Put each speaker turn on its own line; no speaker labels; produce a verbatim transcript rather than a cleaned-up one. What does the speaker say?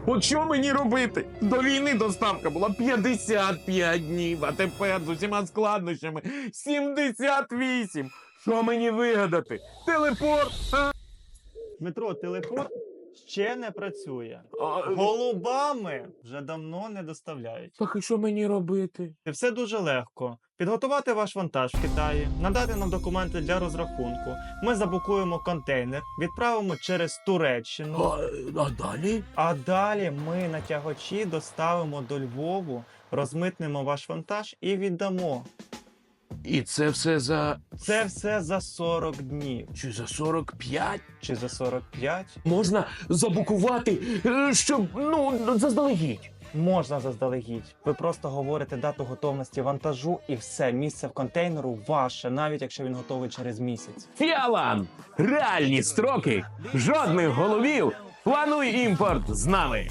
От що мені робити? До війни доставка була п'ятдесят п'ять днів, а тепер з усіма складнощами сімдесят вісім. Що мені вигадати? Телепорт? А?
Дмитро, телепорт ще не працює.
А,
Голубами вже давно не доставляють.
так і що мені робити?
І все дуже легко. Підготувати ваш вантаж в Китаї, надати нам документи для розрахунку. Ми забукуємо контейнер, відправимо через Туреччину.
А, а далі?
А далі ми на тягачі доставимо до Львову, розмитнемо ваш вантаж і віддамо.
І це все за...
Це все за сорок днів.
Чи за сорок п'ять?
Чи за сорок п'ять?
Можна забукувати, е, щоб, ну, заздалегідь.
Можна заздалегідь. Ви просто говорите дату готовності вантажу і все, місце в контейнеру ваше, навіть якщо він готовий через місяць.
Фіалан! Реальні строки, жодних головів. Плануй імпорт з нами.